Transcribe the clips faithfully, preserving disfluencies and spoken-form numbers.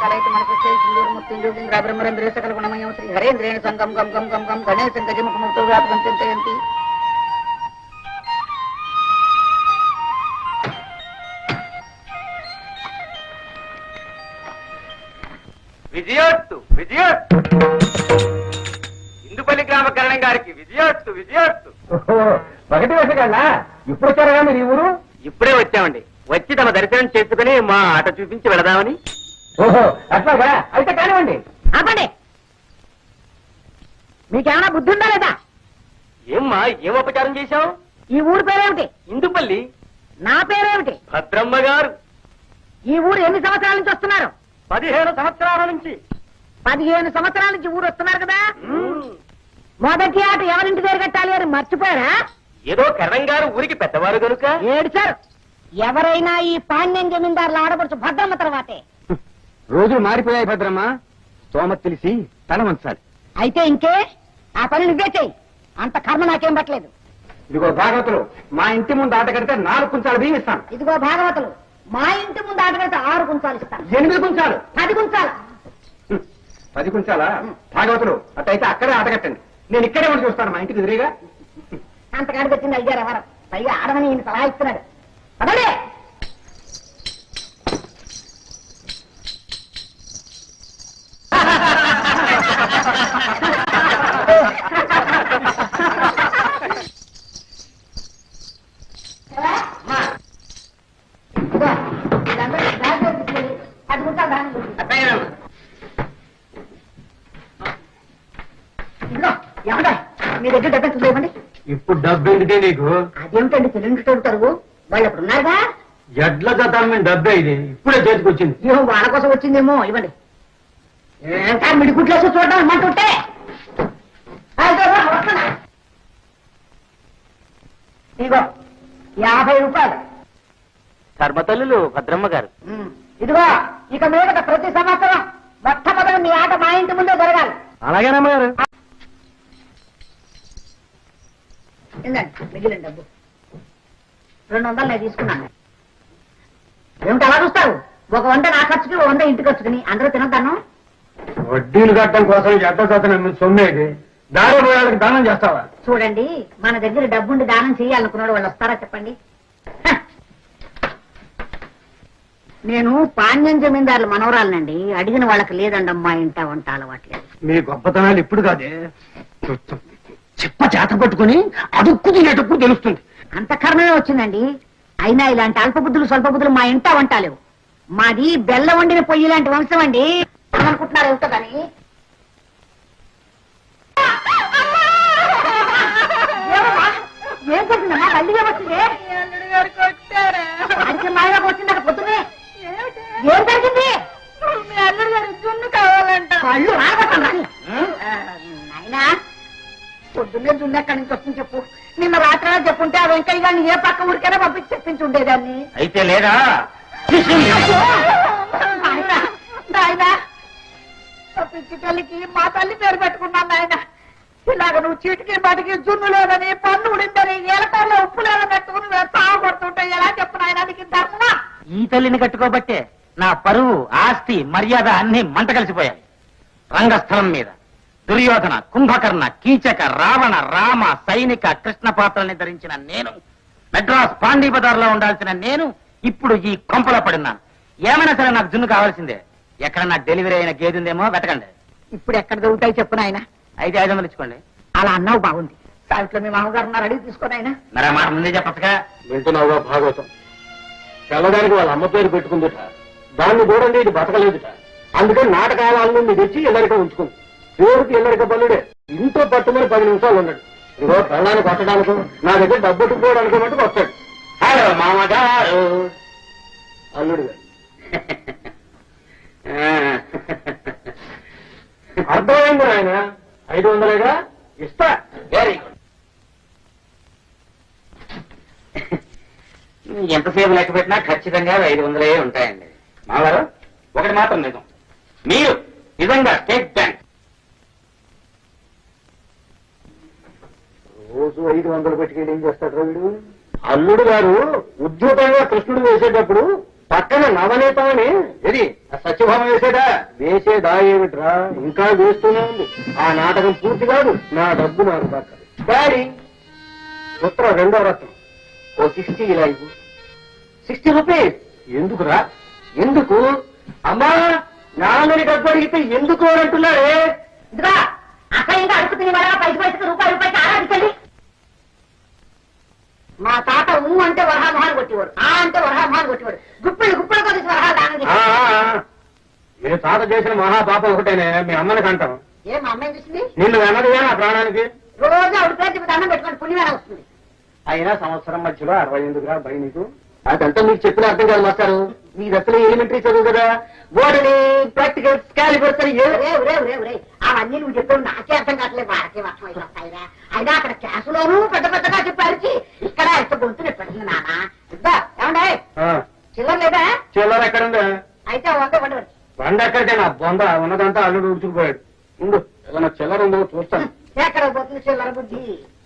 కలైత మనసు సింధూరు మృత్యుంజోగింద్ర బ్రహ్మరంధ్రే సకల గుణమయం శ్రీ హరేంద్రేణ సంగం గం గం గం గం గణేశం గజముఖముక్తో వ్యాపకం చింతయంతి. విజయోత్తు విజయోత్తు ఇందుపల్లి గ్రామ కరణం గారికి విజయోత్తు విజయోత్తు. ఒకటి వేసగలనా ఇప్పుడు వచ్చారా మీరు ఈ ఊరు? ఇప్పుడే వచ్చామండి. వచ్చి తమ దర్శనం చేసుకుని మా ఆట చూపించి వెళదామని. ఓహో అట్లాగా, అయితే కానివ్వండి. ఆపండి, మీకేమైనా బుద్ధి ఉందా లేదా? ఏమ్మా ఏం ఉపచారం చేశావు? ఈ ఊరు పేరేమిటి? ఇందుపల్లి. నా పేరేమిటి? భద్రమ్మ గారు. ఈ ఊరు ఎన్ని సంవత్సరాల నుంచి వస్తున్నారు? పదిహేను సంవత్సరాల నుంచి. పదిహేను సంవత్సరాల నుంచి ఊరు వస్తున్నారు కదా. మొదటి ఆట ఎవరింటి పేరు కట్టాలి అని మర్చిపోయారా? ఏదో కరణం గారు ఊరికి పెద్దవారు కనుక. ఏడు సార్, ఎవరైనా ఈ పాండ్యం జమీందారులు ఆడపడుచు భద్రమ్మ తర్వాతే. రోజులు మారిపోయాయి భద్రమ్మ, స్తోమత తెలిసి తల వంచాలి. అయితే ఇంకే ఆ పని నువ్వే చెయ్యి, అంత కర్మ నాకేం పట్టలేదు. ఇదిగో భాగవతులు, మా ఇంటి ముందు ఆట కడితే నాలుగు కుంచాలు బియ్యం ఇస్తాను. ఇదిగో భాగవతులు, మా ఇంటి ముందు ఆట కడితే ఆరు కుంచాలు ఇస్తాను. ఎనిమిది కుంచాలు. పది కుంచాలు. పది కుంచాలా? భాగవతులు అట్టయితే అక్కడే ఆట కట్టండి, నేను ఇక్కడే ఉండి చూస్తాను మా ఇంటికి ఎదురుగా. అంతకాడు పెట్టింది అయ్యారు ఎవరు? పైగా ఆడమని ఈయన సలహా ఇస్తున్నాడు. అదే మీ దగ్గర డబ్బు ఎంత ఇవ్వండి. ఇప్పుడు డబ్బు ఎందుకే నీకు? అదేమిటండి సిలిండర్ తొడుగుతారు, వాళ్ళు అప్పుడు ఉన్నారుగా. ఎడ్ల జతాన్ని డబ్బే ఇది, ఇప్పుడే చేతికొచ్చింది. ఏమో వాళ్ళ కోసం వచ్చిందేమో, ఇవ్వండి. సార్ మిడి గుట్లేసి చూడడం అమ్మంటుంటే ఇదిగో యాభై రూపాయలు. ధర్మతల్లులు భద్రమ్మ గారు. ఇదిగో ఇక మీద ప్రతి సంవత్సరం మొట్టమొదటి మీ ఆట మా ఇంటి ముందే జరగాలి. అలాగేనమ్మా గారు. ఏందండి మిగిలిన డబ్బు రెండు వందలు నేను తీసుకున్నాను. ఏమిటి అలా చూస్తారు? ఒక వంద నా ఖర్చుకి, ఒక వంద ఇంటి ఖర్చుకుని అందరూ తినద్దాను. వడ్డీలు కట్టడం కోసం ఎడ్ల జతన సొమ్మేది, దారి పోయాలకు దానం చేస్తావా? చూడండి, మన దగ్గర డబ్బుండి దానం చేయాలనుకున్నాడు, వాళ్ళు వస్తారా చెప్పండి? నేను పాండ్యం జమీందారుల మనవరాలనండి, అడిగిన వాళ్ళకి లేదండమ్మా ఇంట వంట అలవాట్లేదు. మీ గొప్పతనాలు ఇప్పుడు కాదే, చెప్ప చేత పట్టుకుని అడుక్కు తినేటప్పుడు తెలుస్తుంది. అంత కర్మమే వచ్చిందండి. అయినా ఇలాంటి అల్ప బుద్ధులు స్వల్ప బుద్ధులు మా ఇంట వంటాలేవు. మాది బెల్ల వండిన పొయ్యి లాంటి వంశం అండి. అనుకుంటున్నారు ఏమిటోదని. ఏం జరిగిందమ్మా? మళ్ళీ ఏమొచ్చింది? అడిగిన మాయగా వచ్చింది అక్కడ పొద్దునే. ఏం జరిగింది? అల్లుడు గారు జున్ను కావాలంట. కళ్ళు రాబట్టండి నాయనా. పొద్దున్నే జున్ను ఎక్కడి నుంచి వస్తుంది చెప్పు. నిన్న రాత్రి చెప్పుంటే ఆ వెంకయ్య గారిని ఏ పక్క ఊరికైనా పంపించి చెప్పించి ఉండేదాన్ని. అయితే లేదా పిచ్చి తల్లికి మా తల్లి పేరు పెట్టుకున్నాను నాయన. ఇలాగ నువ్వు చీటికి బాటికి జున్ను లేదని, పన్ను ఉడిందని, ఏలకాయలో ఉప్పు లేదని పెట్టుకుని సాగు పడుతుంటే ఎలా చెప్పు నాయన? నీకు ధర్మమా? ఈ తల్లిని కట్టుకోబట్టే నా పరువు, ఆస్తి, మర్యాద అన్ని మంట కలిసిపోయాయి. రంగస్థలం మీద దుర్యోధన, కుంభకర్ణ, కీచక, రావణ, రామ, సైనిక, కృష్ణ పాత్రల్ని ధరించిన నేను, మెడ్రాస్ పాండీ బజార్లో ఉండాల్సిన నేను ఇప్పుడు ఈ కొంపలో పడినాను. ఏమైనా సరే నాకు జున్ను కావాల్సిందే. ఎక్కడ నాకు డెలివరీ అయిన గేది ఉందేమో వెతకండి. ఇప్పుడు ఎక్కడ దొరుకుతాయి చెప్పు నాయన? అయితే ఐదు వందలు ఇచ్చుకోండి. అలా అన్నావు బాగుంది. సావిట్లో మీ మామగారు ఉన్నారు, అడిగి తీసుకోనాయన. మరి మాట ముందే చెప్పచ్చుగా. వింటున్నావుగా భాగవతం? తెల్లదానికి వాళ్ళ అమ్మ పేరు పెట్టుకుందిట, దాన్ని చూడండి ఇది బతకలేదుట. అందుకని నాటకాలను మీరు తెచ్చి ఎల్లరిక ఉంచుకుంది. దేవుడికి ఎల్లరిక బల్లుడే. ఇంట్లో పట్టుమని పది నిమిషాలు ఉన్నాడు. ఇదిగో పెళ్ళాన్ని కొట్టడానికి నా దగ్గర డబ్బెట్టుకోవడానికి మటుకు వస్తాడు. హలో మామగారు, అల్లుడు గారు. అర్థమైంది ఆయన. ఐదు వందలేగా ఇస్తా. Very good. ఎంతసేపు లెక్క పెట్టినా ఖచ్చితంగా ఐదు వందలే ఉంటాయండి. మావారు ఒకటి మాత్రం నిజం, మీరు నిజంగా స్టేట్ బ్యాంక్ రోజు ఐదు వందలు పెట్టుకెళ్ళి ఏం చేస్తాడు వీడు? అల్లుడు గారు ఉద్యోగంగా కృష్ణుడు వేసేటప్పుడు పక్కన నవనీతమని ఇది సత్యభామ వేసేదా వేసేదా ఏమిట్రా ఇంకా వేస్తూనే ఉంది ఆ నాటకం పూర్తి కాదు నా డబ్బు నాకు దక్కదు డాడీ ఉత్తరం రెండో రత్నం ఓ సిక్స్టీ ఇలా ఇవ్వు సిక్స్టీ రూపీస్ ఎందుకురా ఎందుకు అమ్మా నాన్నని డబ్బు అడిగితే ఎందుకు అని అంటున్నారే ఇదిగా అసహ్యంగా అడుగుతుంది వాళ్ళ పైకి పైకి రూపాయి రూపాయికి ఆరాధించండి. మా తాత ఊ అంటే వరహామహాన్ని కొట్టేవాడు, ఆ అంటే వరహామహాన్ని కొట్టేవాడు, గుప్పిళ్ళు గుప్పిళ్ళు కొద్ది వరహాలు దానం ఆ, ఆ, ఆ. మీ తాత చేసిన మహాపాపం ఒకటేనే మీ అమ్మని అంటాం ఏ మా అమ్మాయి చూసింది నిన్ను వెనదిగా నా ప్రాణానికి రోజు ఆవిడ పేరు దండం పెట్టుకోండి పుణ్యమేనా వస్తుంది. అయినా సంవత్సరం మధ్యలో అరవై ఎందుకురా భయ నీకు అదంతా మీకు చెప్పిన అర్థం కాదు మాస్టారు మీరు అసలు ఎలిమెంటరీ చదువు కదా బోర్డుని ప్రాక్టికల్ క్యాలిబర్స్ అని ఏ- ఒరే ఒరే ఒరే ఒరే అవన్నీ నువ్వు చెప్పావు నాకే అర్థం కావట్లేదు, వాళ్ళకే వర్షం అయితే వస్తాయిరా. అయినా అక్కడ క్లాసులోనూ పెద్ద పెద్దగా చెప్పారు, ఇక్కడ ఎంత గొంతు పెట్టింది నాన్న. ఇద్దా ఏమండే ఆ, చిల్లర లేదా? చిల్లర ఎక్కడుందా అయితే వంద వండి బండ ఎక్కడితే నా బొంద ఉన్నదంతా అల్లుడు ఉడుచుకుపోయాడు ఉండు ఏదైనా చిల్లర ఉందో చూస్తాను ఎక్కడ పోతుంది చిల్లర బుద్ధి.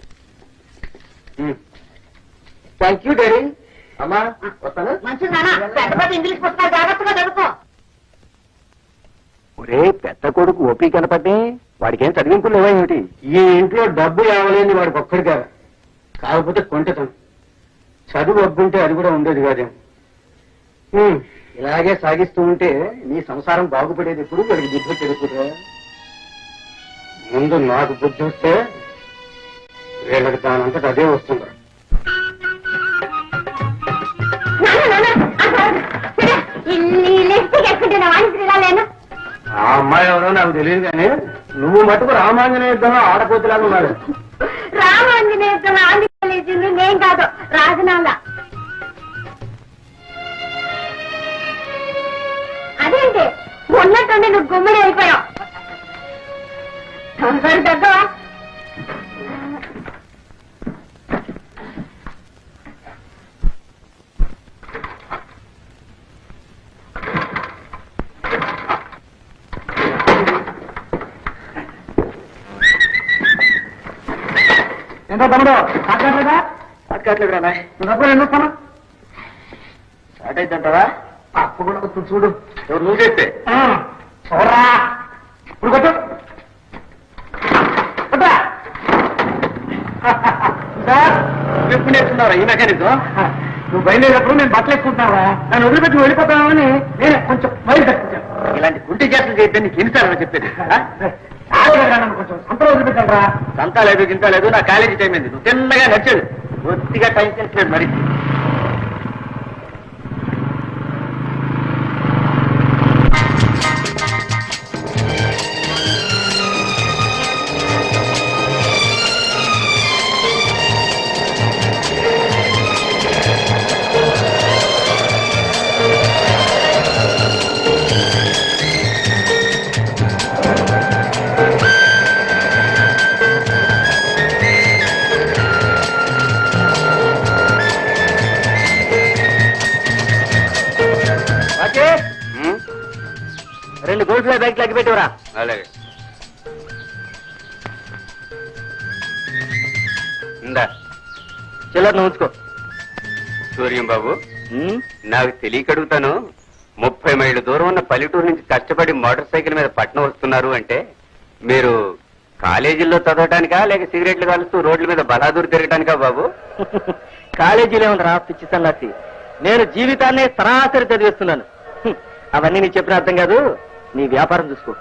థ్యాంక్ యూ డాడీ అమ్మా వస్తాను మంచిది నాన్న, పెద్ద పెద్ద ఇంగ్లీష్ పుస్తకాలు జాగ్రత్తగా చదువుకో. ఒరే పెద్ద కొడుకు ఓపీ కనపడ్డే వాడికి ఏం చదివింపులు లేవా ఏమిటి ఈ ఇంట్లో డబ్బు రావలేని వాడికి ఒక్కడిగా కాకపోతే కొంటతం చదువు అబ్బుంటే అది కూడా ఉండేది కాదేం హ్మ్, ఇలాగే సాగిస్తూ ఉంటే నీ సంసారం బాగుపడేది ఎప్పుడు వాడికి బుద్ధి చెడుకురా ముందు నాకు బుద్ధి వస్తే వీళ్ళకి దానంతట అదే వస్తుందా ఆ అమ్మాయి ఎవరో నాకు తెలియదు కానీ నువ్వు మటుకు రామాంజనేయ యుద్ధంలో ఆడపోతులాగా ఉన్నాడు రామాంజనేయ ఆంధ్రప్రదేశ్ నేను కాదు రాజనాల. అదేంటి ఉన్నట్టుండి నువ్వు గుమ్మడి అయిపోయావు. దగ్గర ఎంతో తమ్ముడు కాట్లేదా కాట్లేదురా నువ్వు ఎందుకు వస్తాను స్టార్ట్ అయిద్దంటావా అప్పు కూడా కొంచెం చూడు ఎవరు నువ్వు చేస్తే చూడరా ఇప్పుడు కొట్టు సార్ ఎప్పుడు నేర్చుకున్నారా ఈ మెకానిజం నువ్వు బయలుదేరేటప్పుడు నేను బట్టలు ఎక్కుంటున్నావా నన్ను వదిలిపెట్టి నువ్వు వెళ్ళిపోతావని నేను కొంచెం బయలు తప్పించాను ఇలాంటి గుంటి చేతులు చేస్తే నీకు ఎన్నిసార్లు చెప్పేది నన్ను కొంచెం సంతలో వదిలిపెట్టారా సంత లేదు గింత లేదు నా కాలేజీ టైం అయింది నువ్వు చిన్నగా నచ్చేది కొద్దిగా టైం సెన్స్ మరి రెండు గోల్డ్ ఫ్లై బ్యాగ్ లెక్క పెట్టివరా అలాగే ఇందా చిల్లర నువ్వు ఉంచుకో సూర్యం బాబు నాకు తెలియక అడుగుతాను ముప్పై మైళ్ళ దూరం ఉన్న పల్లెటూరు నుంచి కష్టపడి మోటార్ సైకిల్ మీద పట్నం వస్తున్నారు అంటే మీరు కాలేజీల్లో చదవటానికా లేక సిగరెట్లు కాలుస్తూ రోడ్ల మీద బలాదూరు తిరగటానికా బాబు కాలేజీలో ఉందిరా పిచ్చి సన్నాసి నేను జీవితాన్ని సరాసరి చదివిస్తున్నాను అవన్నీ నీకు చెప్పిన అర్థం కాదు నీ వ్యాపారం చూసుకో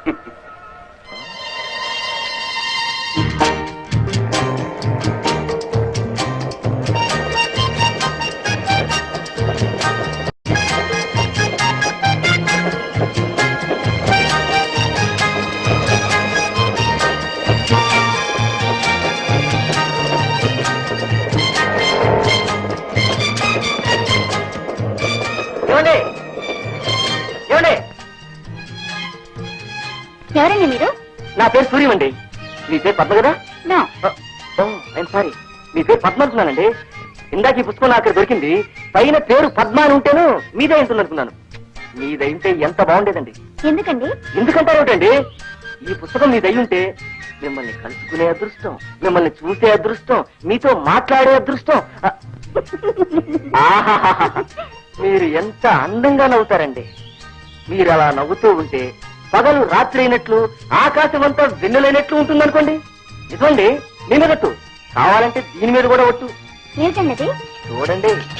ఎవరండి మీరు? నా పేరు సూర్యం అండి మీ పేరు పద్మ కదా సారీ మీ పేరు పద్మ అనుకున్నానండి ఇందాక ఈ పుస్తకం నాకు దొరికింది పైన పేరు పద్మ అని ఉంటేను మీదే ఉంటుంది అనుకున్నాను మీదైతే ఎంత బాగుండేదండి ఎందుకండి? ఎందుకంటారేమిటండి ఈ పుస్తకం మీదై ఉంటే మిమ్మల్ని కలుసుకునే అదృష్టం మిమ్మల్ని చూసే అదృష్టం మీతో మాట్లాడే అదృష్టం ఆహాహాహా. మీ మీరు ఎంత అందంగా నవ్వుతారండి. మీరు అలా నవ్వుతూ ఉంటే పగలు రాత్రి అయినట్లు ఆకాశం అంతా వెన్నెలైనట్లు ఉంటుందనుకోండి. ఇదండి మీ మీద ఒట్టు. కావాలంటే దీని మీద కూడా ఒట్టు. ఏమిటన్నది? చూడండి.